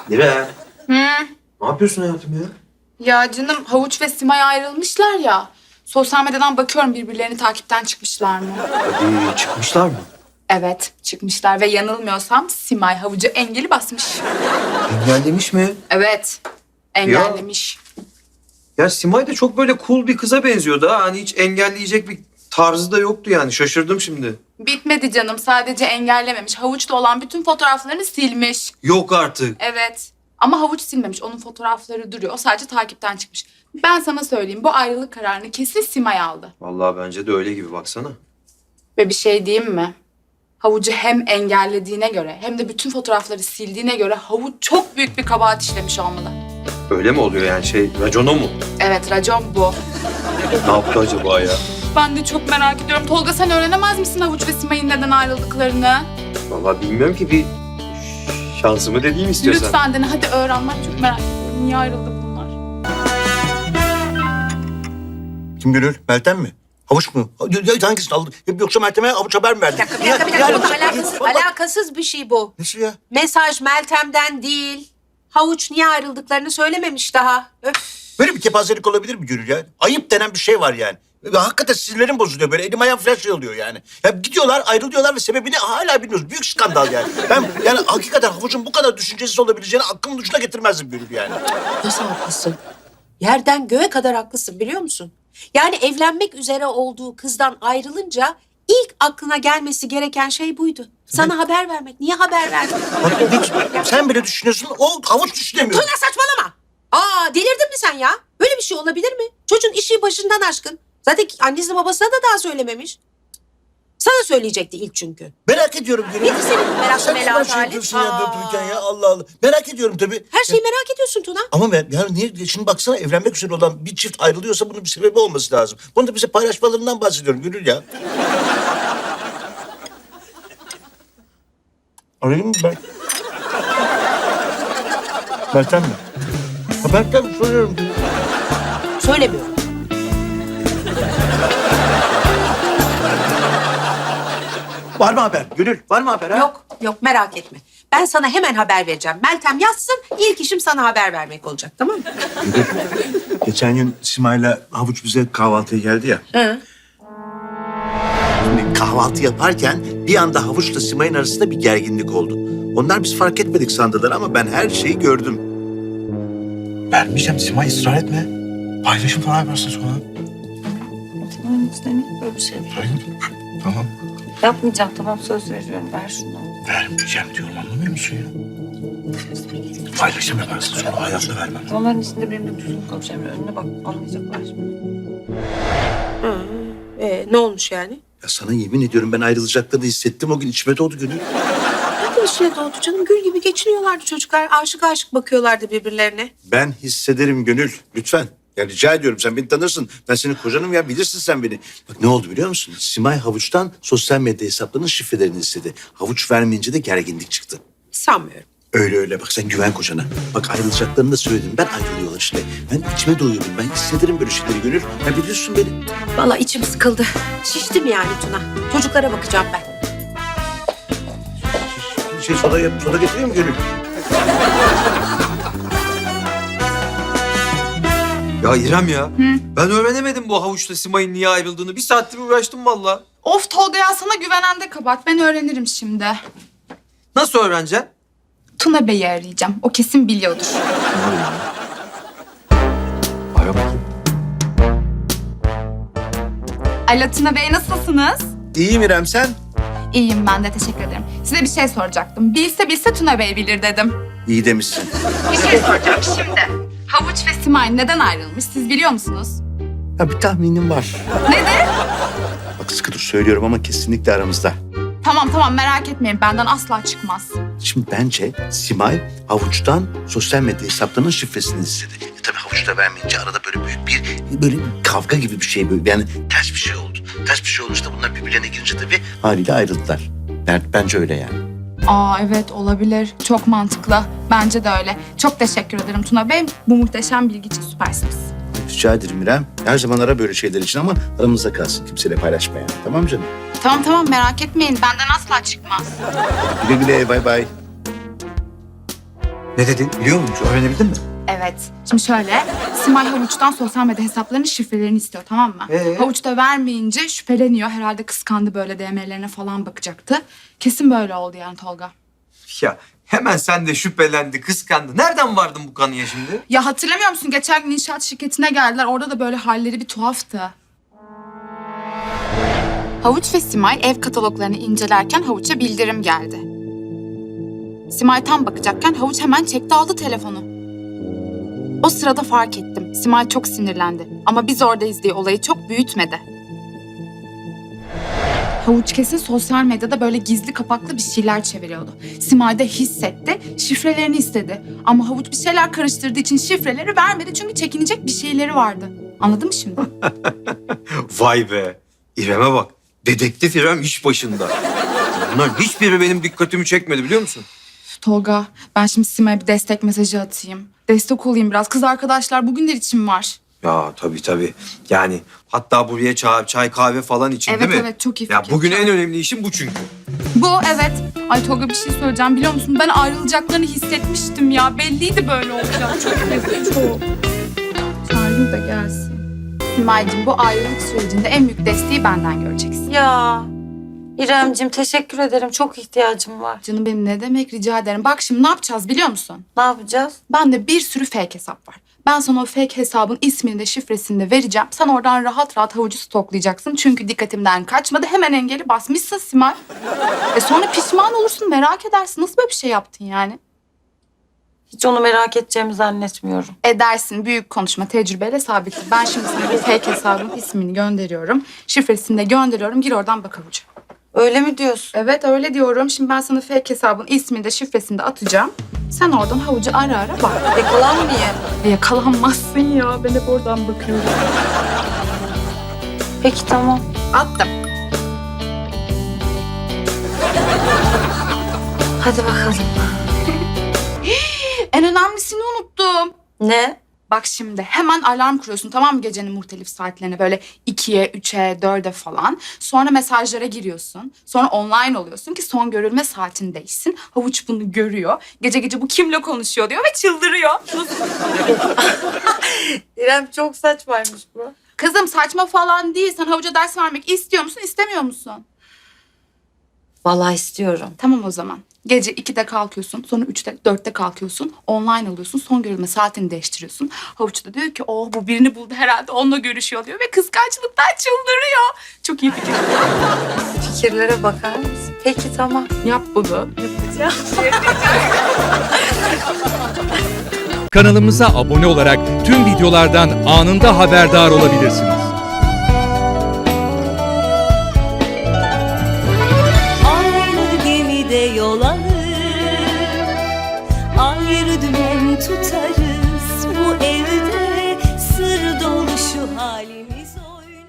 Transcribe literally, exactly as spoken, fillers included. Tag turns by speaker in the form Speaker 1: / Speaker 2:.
Speaker 1: Nire.
Speaker 2: Hı.
Speaker 1: Ne yapıyorsun hayatım ya?
Speaker 2: Ya canım Havuç ve Simay ayrılmışlar ya. Sosyal medyadan bakıyorum birbirlerini takipten çıkmışlar mı?
Speaker 1: Hadi çıkmışlar mı?
Speaker 2: Evet çıkmışlar ve yanılmıyorsam Simay Havuç'a engeli basmış.
Speaker 1: Engellemiş mi?
Speaker 2: Evet engellemiş.
Speaker 1: Ya Simay da çok böyle cool bir kıza benziyordu ha. Hani hiç engelleyecek bir tarzı da yoktu yani. Şaşırdım şimdi.
Speaker 2: Bitmedi canım sadece engellememiş. Havuç'ta olan bütün fotoğraflarını silmiş.
Speaker 1: Yok artık.
Speaker 2: Evet ama Havuç silmemiş. Onun fotoğrafları duruyor. O sadece takipten çıkmış. Ben sana söyleyeyim bu ayrılık kararını kesin Simay aldı.
Speaker 1: Vallahi bence de öyle gibi baksana.
Speaker 2: Ve bir şey diyeyim mi? Havucu hem engellediğine göre hem de bütün fotoğrafları sildiğine göre Havuç çok büyük bir kabahat işlemiş olmalı.
Speaker 1: Öyle mi oluyor yani şey racona mu?
Speaker 2: Evet racon bu.
Speaker 1: Ne yaptı acaba ya?
Speaker 2: Ben de çok merak ediyorum. Tolga sen öğrenemez misin Havuç ve Simay'ın neden ayrıldıklarını?
Speaker 1: Vallahi bilmiyorum ki bir şansımı deneyeyim istiyorsan.
Speaker 2: Lütfen dene hadi öğren. Ben çok merak ediyorum. Niye ayrıldı bunlar?
Speaker 3: Kim Gönül? Meltem mi? Havuç mu? Ya, ya, hangisini aldın? Yoksa Meltem'e havuç haber mi verdin?
Speaker 4: Bir dakika, bir dakika, bir dakika. Oğlum, alakasız, alakasız bir şey bu.
Speaker 3: Nesi ya?
Speaker 4: Mesaj Meltem'den değil. Havuç niye ayrıldıklarını söylememiş daha. Öf.
Speaker 3: Böyle bir kepazelik olabilir mi Gönül ya? Ayıp denen bir şey var yani. Ve hakikaten sinirlerim bozuluyor böyle. Elim ayağım flash şey oluyor yani. Ya gidiyorlar, ayrılıyorlar ve sebebini hala bilmiyoruz. Büyük skandal yani. Ben yani hakikaten Havuç'un bu kadar düşüncesiz olabileceğini aklımın ucuna getirmezdim Gönül yani.
Speaker 4: Nasıl haklısın? Yerden göğe kadar haklısın biliyor musun? Yani evlenmek üzere olduğu kızdan ayrılınca ilk aklına gelmesi gereken şey buydu. Sana haber vermek. Niye haber verdin?
Speaker 3: Bak, sen bile düşünüyorsun, o Havuç düşünemiyor.
Speaker 4: Tuna saçmalama. Aa delirdin mi sen ya? Böyle bir şey olabilir mi? Çocuğun işi başından aşkın. Zaten annesi babasına da daha söylememiş. Sana söyleyecekti ilk çünkü.
Speaker 3: Merak ediyorum Gönül.
Speaker 4: Nedir senin meraklı
Speaker 3: Sen
Speaker 4: meraklı
Speaker 3: şey
Speaker 4: halin?
Speaker 3: yapıyorsun ya
Speaker 4: Aa.
Speaker 3: durup dururken ya Allah Allah. Merak ediyorum tabii.
Speaker 4: Her şeyi merak ediyorsun Tuna.
Speaker 3: Ama ben yani niye şimdi baksana evlenmek üzere olan bir çift ayrılıyorsa bunun bir sebebi olması lazım. Bunu da bize paylaşmalarından bahsediyorum Gönül ya. Arayayım mı ben? Meltem mi? Ha, Meltem soruyorum.
Speaker 4: Söylemiyorum.
Speaker 3: Var mı haber? Gönül var mı haber ha?
Speaker 4: Yok, yok merak etme. Ben sana hemen haber vereceğim. Meltem yazsın, ilk işim sana haber vermek olacak, tamam mı?
Speaker 3: Geçen gün Simay'la Havuç bize kahvaltıya geldi ya.
Speaker 4: Hı.
Speaker 3: Şimdi kahvaltı yaparken bir anda Havuç'la Simay'ın arasında bir gerginlik oldu. Onlar biz fark etmedik sandılar ama ben her şeyi gördüm.
Speaker 5: Vermeyeceğim Simay, ısrar etme. Paylaşım falan yaparsın sonra.
Speaker 6: Tamam Hüsnü, böyle bir şey değil.
Speaker 5: Hayır. Tamam.
Speaker 6: Yapmayacağım, tamam söz veriyorum. Ver şunu.
Speaker 5: Vermeyeceğim diyorum, anlamıyor musun ya? Paylaşım yaparsın sonra, hayatta vermem.
Speaker 6: Onların içinde benimle düzgün konuşacağım. Önüne bak, anlayacaklar şimdi.
Speaker 4: Hı. Ee, ne olmuş yani?
Speaker 3: Ya sana yemin ediyorum ben ayrılacaklarını hissettim o gün içime doğdu Gönül.
Speaker 4: Nerede içine doğdu canım? Gül gibi geçiniyorlardı çocuklar. Aşık aşık bakıyorlardı birbirlerine.
Speaker 3: Ben hissederim Gönül lütfen. Ya rica ediyorum sen beni tanırsın. Ben senin kocanım ya bilirsin sen beni. Bak ne oldu biliyor musun? Simay Havuç'tan sosyal medya hesaplarının şifrelerini istedi. Havuç vermeyince de gerginlik çıktı.
Speaker 4: Sanmıyorum.
Speaker 3: Öyle öyle bak sen güven kocana. Bak ayrılacaklarını da söyledim. Ben ayrılıyorlar işte. Ben içime doyuyorum. Ben hissederim böyle şeyleri Gönül. Ya biliyorsun beni.
Speaker 4: Vallahi içim sıkıldı. Şiştim yani Tuna. Çocuklara bakacağım ben.
Speaker 3: Şey soda, yap- soda getireyim mi Gönül?
Speaker 1: Ya İrem ya. Ben öğrenemedim bu Havuç'la Simay'ın niye ayrıldığını. Bir saattir uğraştım valla.
Speaker 2: Of Tolga ya sana güvenen de kabahat. Ben öğrenirim şimdi.
Speaker 1: Nasıl öğreneceksin?
Speaker 2: Tuna Bey'i arayacağım. O kesin biliyordur.
Speaker 1: Ara bakayım.
Speaker 2: Alo Tuna Bey nasılsınız?
Speaker 3: İyiyim İrem sen?
Speaker 2: İyiyim ben de teşekkür ederim. Size bir şey soracaktım. Bilse bilse Tuna Bey bilir dedim.
Speaker 3: İyi demişsin.
Speaker 2: Bir şey soracağım şimdi. Havuç ve Simay neden ayrılmış siz biliyor musunuz?
Speaker 3: Ya bir tahminim var.
Speaker 2: Nedir?
Speaker 3: Bak sıkı dur söylüyorum ama kesinlikle aramızda.
Speaker 2: Tamam tamam merak etmeyin benden asla çıkmaz.
Speaker 3: Şimdi bence Simay Havuç'tan sosyal medya hesaplarının şifresini istedi. E tabii Havuç da vermeyince arada böyle büyük bir böyle bir kavga gibi bir şey böyle yani ters bir şey oldu. Ters bir şey olunca da bunlar birbirlerine girince tabii haliyle ayrıldılar. Yani bence öyle yani.
Speaker 2: Aa evet olabilir. Çok mantıklı. Bence de öyle. Çok teşekkür ederim Tuna Bey. Bu muhteşem bilgi için süpersiniz.
Speaker 3: Rica ederim İrem. Her zaman ara böyle şeyler için ama aramızda kalsın. Kimseyle paylaşma yani. Tamam mı canım?
Speaker 2: Tamam tamam merak etmeyin. Benden asla çıkmaz.
Speaker 3: Güle güle bay bay.
Speaker 1: Ne dedin? Biliyor musun? Öğrenebildin mi?
Speaker 2: Evet. Şimdi şöyle, Simay Havuç'tan sosyal medya hesaplarının şifrelerini istiyor, tamam mı?
Speaker 1: Ee?
Speaker 2: Havuç da vermeyince şüpheleniyor. Herhalde kıskandı, böyle D M'lerine falan bakacaktı. Kesin böyle oldu yani Tolga.
Speaker 1: Ya hemen sen de şüphelendi, kıskandı. Nereden vardın bu kanıya şimdi?
Speaker 2: Ya hatırlamıyor musun? Geçen gün inşaat şirketine geldiler. Orada da böyle halleri bir tuhaftı. Havuç ve Simay ev kataloglarını incelerken Havuç'a bildirim geldi. Simay tam bakacakken Havuç hemen çekti aldı telefonu. O sırada fark ettim. Simay çok sinirlendi. Ama biz oradayız diye olayı çok büyütmedi. Havuç kesin sosyal medyada böyle gizli kapaklı bir şeyler çeviriyordu. Simay da hissetti, şifrelerini istedi. Ama Havuç bir şeyler karıştırdığı için şifreleri vermedi çünkü çekinecek bir şeyleri vardı. Anladın mı şimdi?
Speaker 1: Vay be. İrem'e bak. Dedektif İrem iş başında. Bunların hiçbiri benim dikkatimi çekmedi biliyor musun?
Speaker 2: Tolga, ben şimdi Simay'a bir destek mesajı atayım. Destek olayım biraz. Kız arkadaşlar bugünler için var.
Speaker 1: Ya tabii tabii. Yani hatta buraya çay, çay kahve falan için
Speaker 2: Evet
Speaker 1: değil mi?
Speaker 2: evet çok iyi
Speaker 1: Ya
Speaker 2: fikir.
Speaker 1: bugün en önemli işim bu çünkü.
Speaker 2: Bu evet. Ay Tolga bir şey söyleyeceğim biliyor musun? Ben ayrılacaklarını hissetmiştim ya. Belliydi böyle olacak. Çok üzüldüm çok. Çağırayım da gelsin. Simay'cığım bu ayrılık sürecinde en büyük desteği benden göreceksin.
Speaker 6: Ya İremcim teşekkür ederim. Çok ihtiyacım var.
Speaker 2: Canım benim ne demek rica ederim. Bak şimdi ne yapacağız biliyor musun?
Speaker 6: Ne yapacağız?
Speaker 2: Bende bir sürü fake hesap var. Ben sana o fake hesabın ismini de şifresini de vereceğim. Sen oradan rahat rahat Havucu stoklayacaksın. Çünkü dikkatimden kaçmadı. Hemen engeli basmışsın Simay. E sonra pişman olursun, merak edersin. Nasıl böyle bir şey yaptın yani?
Speaker 6: Hiç onu merak edeceğimi zannetmiyorum.
Speaker 2: Edersin. Büyük konuşma. Tecrübeyle sabittir. Ben şimdi sana bu fake hesabın ismini gönderiyorum. Şifresini de gönderiyorum. Gir oradan bak Havucu.
Speaker 6: Öyle mi diyorsun?
Speaker 2: Evet öyle diyorum. Şimdi ben sana fake hesabın ismini de şifresini de atacağım. Sen oradan Havucu ara ara bak.
Speaker 6: Yakalanmayayım.
Speaker 2: E, yakalanmazsın ya. Ben hep oradan bakıyorum.
Speaker 6: Peki tamam.
Speaker 2: Attım.
Speaker 6: Hadi bakalım.
Speaker 2: En önemlisini unuttum.
Speaker 6: Ne?
Speaker 2: Bak şimdi hemen alarm kuruyorsun tamam mı gecenin muhtelif saatlerine böyle ikiye, üçe, dörde falan. Sonra mesajlara giriyorsun. Sonra online oluyorsun ki son görülme saatin değişsin. Havuç bunu görüyor. Gece gece bu kimle konuşuyor diyor ve çıldırıyor.
Speaker 6: İrem çok saçmaymış bu.
Speaker 2: Kızım saçma falan değil. Sen Havuca ders vermek istiyor musun, istemiyor musun?
Speaker 6: Vallahi istiyorum.
Speaker 2: Tamam o zaman. Gece ikide kalkıyorsun, sonra üçte, dörtte kalkıyorsun. Online alıyorsun, son görülme saatini değiştiriyorsun. Havuç da diyor ki, oh bu birini buldu herhalde, onunla görüşüyor diyor. Ve kıskançlıktan çıldırıyor. Çok iyi fikir.
Speaker 6: Fikirlere bakar mısın? Peki tamam.
Speaker 2: Yap bunu. Yapacağım.
Speaker 7: Kanalımıza abone olarak tüm videolardan anında haberdar olabilirsiniz.
Speaker 8: Aynı gemide yol alır, ayrı dümen tutarız. Bu evde sır dolu şu halimiz.